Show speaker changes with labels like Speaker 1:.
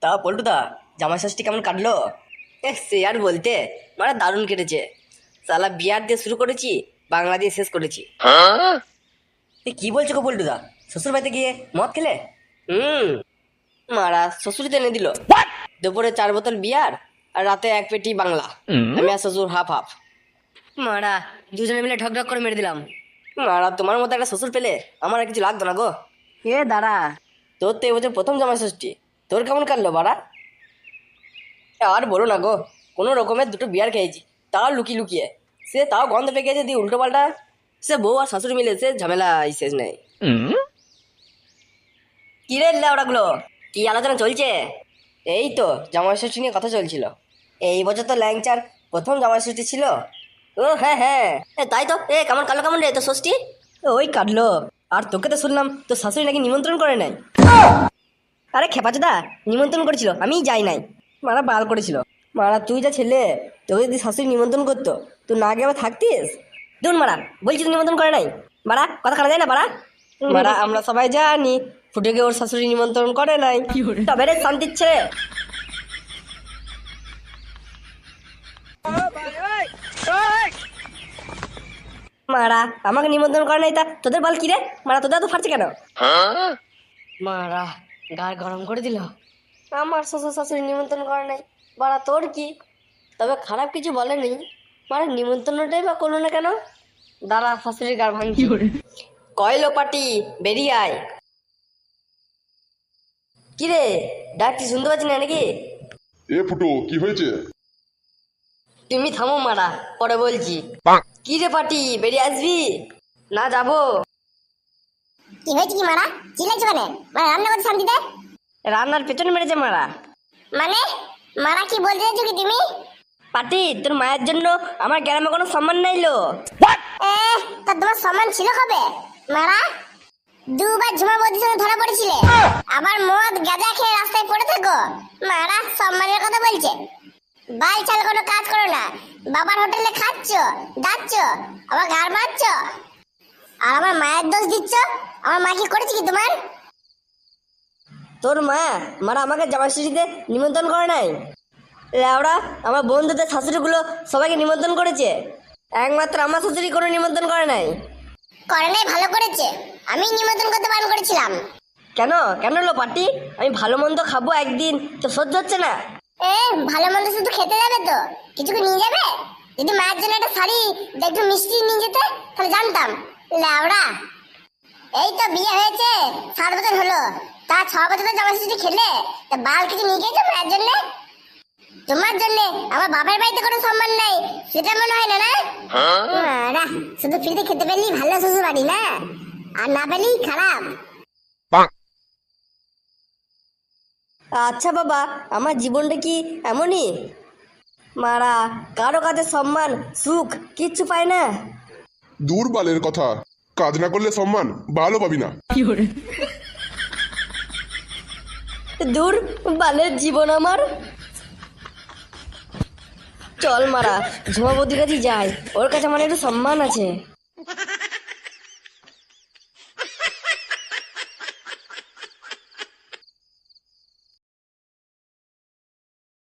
Speaker 1: তা পল্টুদা, জামাই ষষ্ঠী কেমন কাটলো? সে আর বলতে, মানে দারুণ কেটেছে। সালা বিয়ার দিয়ে শুরু করেছি, বাংলা দিয়ে শেষ করেছি। কি বলছো গো পল্টুদা, শ্বশুর বাড়িতে গিয়ে মদ খেলে? হুম, মারা শ্বশুরই তো এনে দিল। দুপুরে 4 বোতল বিয়ার আর রাতে 1 পেটি বাংলা। আমি আর শ্বশুর হাফ হাফ। মারা দুজনে মিলে ঢক ঢক করে মেরে দিলাম। মারা তোমার মতো একটা শ্বশুর পেলে আমার আর কিছু লাগতো না গো। দাঁড়া, তোর তো এবছর প্রথম জামাই ষষ্ঠী, তোর কেমন কাটলো বাড়া? আর বলো না গো, কোনো রকমের 2টো বিয়ার খেয়েছি, তাও লুকিয়ে লুকিয়ে। সে তাও গন্ধ পেয়ে গেছে, দিয়ে উল্টো পাল্টা। সে বউ আর শাশুড়ি মিলে সে ঝামেলা শেষ নেই। কি রে ওরাগুলো, কি আলোচনা চলছে? এই তো জামাই ষষ্ঠী নিয়ে কথা চলছিল। এই বছর তো ল্যাংচার প্রথম জামাই ষষ্ঠী ছিল। ও হ্যাঁ হ্যাঁ, তাই তো। কেমন কাটলো কেমন রে তোর ষষ্ঠী? ওই কাটলো। আর তোকে তো শুনলাম তোর শাশুড়ি নাকি নিমন্ত্রণ করে নাই। আরে খেপাচোদা, নিমন্ত্রণ করেছিল, আমিই যাই নাই। মারা বাল করেছিল। মারা তুই যা ছেলে, তোকে যদি শাশুড়ি নিমন্ত্রণ করতো তুই না গিয়ে আবার থাকতিস? দুন মারা, বলছি তুই নিমন্ত্রণ করে নাই। মারা কথা কানা যায় না মারা। মারা আমরা সবাই জানি ফুটেকে ওর শাশুড়ি নিমন্ত্রণ করে নাই। তবে রে শান্তির ছেলে। মারা আমাকে নিমন্ত্রণ করে নাই, তা তোদের বল কি রে? মারা তোদের তো ফাটছে কেন? মারা গায়ে গরম করে দিল। আমার শ্বশুর শাশুড়ি নিমন্ত্রণ করে নাই, বাড়া তোর কি? তবে খারাপ কিছু বলেনি, মানে নিমন্ত্রণটাই বা করলো না কেন? দাঁড়া শাশুড়ির গাড় ভাঙছি। কয়লো পাটি বেরিয়ে আয়। কিরে ডাকছি শুনতে পাচ্ছি না নাকি?
Speaker 2: এ ফুটো, কি হয়েছে?
Speaker 1: তুমি থামো মারা, পরে বলছি। কি রে পাটি, বেরিয়ে আসবি? না যাবো।
Speaker 3: কি হয়েছে কি মারা? চিল্লাইছো কেন? মানে রান্না করতে শান্তিতে?
Speaker 1: রান্নার পেছনে মেরেছে মারা।
Speaker 3: মানে মারা কি বলতে চাইছো কি তুমি?
Speaker 1: পাটি তোর মায়ের জন্য আমার গ্রামে কোনো সম্মান নাইলো।
Speaker 3: তা তোমার সম্মান ছিল কবে মারা? দুবার ঝুমা বৌদির সঙ্গে ধরা পড়েছিলে, আবার মদ গাঁজা খেয়ে রাস্তায় পড়ে থাকো। মারা সম্মানের কথা বলছে? বাল চাল কোনো কাজ করো না, বাবার হোটেলে খাচ্ছ যাচ্ছ, আবার গাড় মারছ, আর আমার মায়ের দোষ দিচ্ছ। আমার মা কি করেছে কি তোমার?
Speaker 1: তোর মা মারা আমাকে জামাই ষষ্ঠীতে নিমন্ত্রণ করে নাই। লেওড়া আমার বন্ধুদের শাশুড়িগুলো সবাইকে নিমন্ত্রণ করেছে, একমাত্র আমার শাশুড়ি কোনো নিমন্ত্রণ করে নাই।
Speaker 3: করে নাই ভালো করেছে, আমি নিমন্ত্রণ করতে বারণ করেছিলাম।
Speaker 1: কেন কেন লো পাটি? আমি ভালো মন্দ খাবো একদিন, তো সহ্য হচ্ছে না?
Speaker 3: ভালো মন্দ শুধু খেতে যাবে তো, কিছু কি নিয়ে যাবে? যদি মায়ের জন্য একটা শাড়ি একটু মিষ্টি নিয়ে যেতে তাহলে জানতাম। লাউড়া, এই তো বিয়ে হয়েছে 7 বছর হলো, তা 6 বছর জামা ষষ্ঠী খেলে তা বাল কিছু নিয়ে গেছো মায়ের জন্য? তোমার জন্য আমার বাবার বাড়িতে কোনো সম্মান নাই, সেটা মনে হয় না? না শুধু ফ্রিতে খেতে পেলি ভালো শ্বশুর বাড়ি না, আর না পেলি খারাপ।
Speaker 1: আচ্ছা বাবা, আমার জীবনটা কি এমনই? মারা কারো কাছে সম্মান সুখ কিচ্ছু পায় না।
Speaker 2: দূর বালের কথা, কাজ না করলে সম্মান ভালো পাবি না।
Speaker 1: দূর বালের জীবন আমার। চল মারা ঝুমাবতির কাছে যাই, ওর কাছে আমার একটু সম্মান আছে।